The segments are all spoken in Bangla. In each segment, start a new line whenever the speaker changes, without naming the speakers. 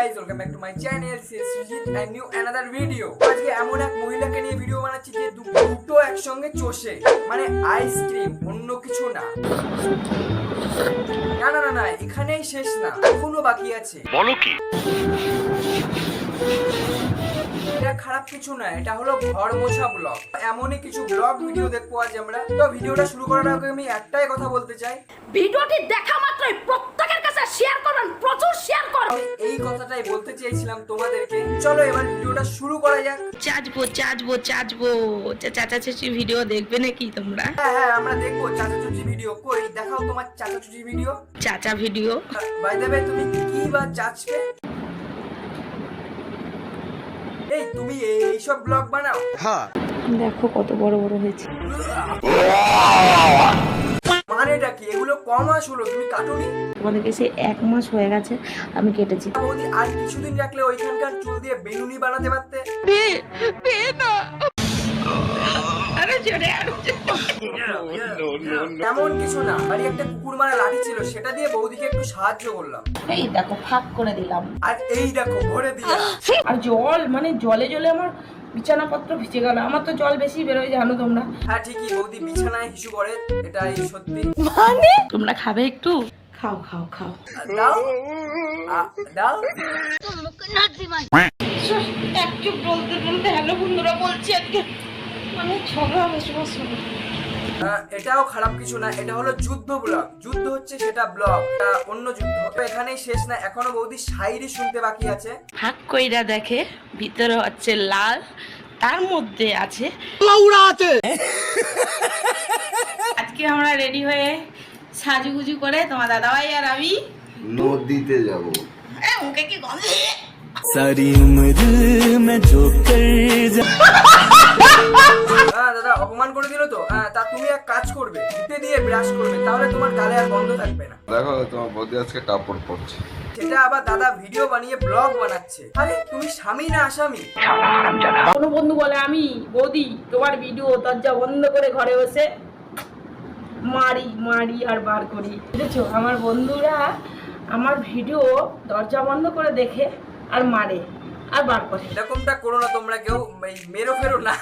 guys, welcome back to my channel. This is Sujit and new another video. আজকে এমন এক মহিলাকে নিয়ে ভিডিও বানাচ্ছি যে দুটো একসঙ্গে চষে, মানে আইসক্রিম, অন্য কিছু না। না না না না, এখানেই শেষ না, এখনো বাকি আছে।
বলো কি?
এটা খারাপ কিছু না, এটা হলো ঘর মোছা ব্লগ। এমনই কিছু ব্লগ ভিডিও দেখবো আজ আমরা। তো ভিডিওটা শুরু করার আগে আমি একটাই কথা বলতে চাই,
ভিডিওটি দেখা মাত্রই প্রত্যেকের কাছে শেয়ার করবেন, প্রচুর শেয়ার করবেন।
আমি এই কথাটাই বলতে চেয়েছিলাম তোমাদেরকে। চলো এবার ভিডিওটা শুরু করা যাক।
চাচবো চাচা চাচি ভিডিও দেখবে নাকি তোমরা?
হ্যাঁ আমরা দেখবো চাচা চুচি ভিডিও। কই দেখাও তোমার চাচা চুচি ভিডিও।
চাচা ভিডিও
বাই দ্য ওয়ে, তুমি কি বা চাচবে? এই তুমি এইসব ব্লগ বানাও?
হ্যাঁ,
দেখো কত বড় বড় হয়েছে।
মানেটা কি? এগুলো কম মাস হলো তুমি কাটুনি?
তোমাদের কাছে 1 মাস হয়ে গেছে আমি কেটেছি।
বৌদি আর কিছুদিন রাখলে ওইখানকার চুল দিয়ে বেলুনি বানাতে পারতে। এমন কিছু না, বাড়ি একটা কুকুর মারা লাঠি ছিল, সেটা দিয়ে বৌদিকে একটু সাহায্য করলাম।
এই দেখো ফাঁক করে দিলাম।
আর এই দেখো ভরে দিলাম।
আর জল, মানে জলে আমার বিছানাপত্র ভিজে গেল। আমার তো জল বেশি বেরোয় জানো তোমরা।
হ্যাঁ ঠিকই, বৌদি বিছানায় হিসু করে, এটাই সত্যি।
মানে তোমরা খাবে একটু? খাও
দাও দাও।
একটু বলতে হ্যালো বন্ধুরা বলছি আজকে মানে ঝগড়া হবে।
এটাও খারাপ কিছু না, এটা হলো যুদ্ধ ব্লগ। যুদ্ধ হচ্ছে সেটা ব্লগ, অন্য যুদ্ধ। এখানেই শেষ না, এখনো বৌদি শায়রি শুনতে বাকি আছে।
ফাঁক কইরা দেখে ভিতরে হচ্ছে লাল, তার মধ্যে আছে আজকে আমরা রেডি হয়ে সাজুগুজু করে তোমার দাদাভাই আর আমি
নদীতে যাব।
মুখে কি গন্ধ!
सारी उम्र में जो कर
দাদা অপমান করে দিল তো। তা তুমি এক কাজ করবে, ধুতে দিয়ে ব্রাশ করবে, তাহলে তোমার গালে আর গন্ধ থাকবে না।
দেখো তোমার বৌদি আজকে কাপড় পরছে।
সেটা আবার দাদা ভিডিও বানিয়ে ব্লগ বানাচ্ছে। আরে তুমি স্বামী না আসামি?
কোনো বন্ধু বলে আমি বৌদি তোমার ভিডিও দরজা বন্ধ করে ঘরে বসে মারি আর বার করি। বুঝেছো, আমার বন্ধুরা আমার ভিডিও দরজা বন্ধ করে দেখে আর মারে আর বার করে।
এরকমটা করো না তোমরা কেউ, মেরো ফেরো না,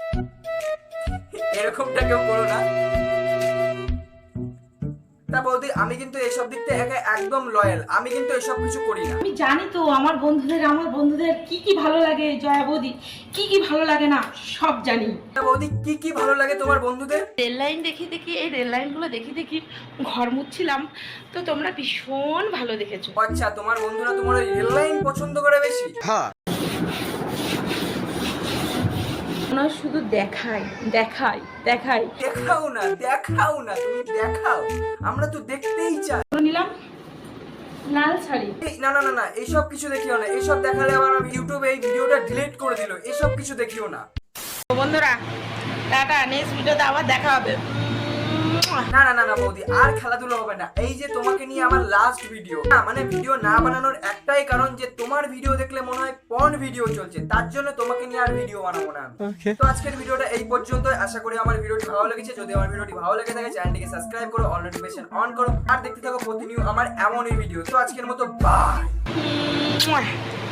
এরকমটা কেউ করো না। তা বৌদি আমি কিন্তু এসব দিক থেকে একদম লয়াল, আমি কিন্তু এসব কিছু করি না।
আমি জানি তো আমার বন্ধুদের কি ভালো লাগে, জয়া বৌদি কি ভালো লাগে না সব জানি।
তা বৌদি কি ভালো লাগে তোমার বন্ধুদের?
রেল লাইন দেখি এই রেল লাইনগুলো দেখি ঘর মুছছিলাম, তো তোমরা ভীষণ ভালো দেখেছো।
আচ্ছা, তোমার বন্ধুরা তোমার ওই রেল লাইন পছন্দ করে বেশি?
হ্যাঁ,
শুধু দেখাই।
দেখাও না তুমি দেখাও, আমরা তো দেখতেই চাই।
নিলাম লাল শাড়ি।
না এইসব কিছু দেখিও না, এইসব দেখালে আবার ইউটিউবে এই ভিডিওটা ডিলিট করে দিল। এইসব কিছু দেখিও না।
বন্ধুরা টাটা, নেক্সট ভিডিওতে আবার দেখা হবে।
না বৌদি আর খেলাধুলা হবে না। এই যে তোমাকে নিয়ে আমার লাস্ট ভিডিও, মানে ভিডিও না বানানোর একটাই কারণ যে তোমার ভিডিও দেখলে মনে হয় পর্ন ভিডিও চলছে, তার জন্য তোমাকে নিয়ে আর ভিডিও বানাবো না। তো আজকের ভিডিওটা এই পর্যন্ত। আশা করি আমার ভিডিওটি ভালো লেগেছে। যদি আমার ভিডিওটি ভালো লেগে থাকে চ্যানেলটিকে সাবস্ক্রাইব করো, অল নোটিফিকেশন অন করো, আর দেখতে থাকো প্রতিনিয়ত আমার এমনই ভিডিও। তো আজকের মতো বাই।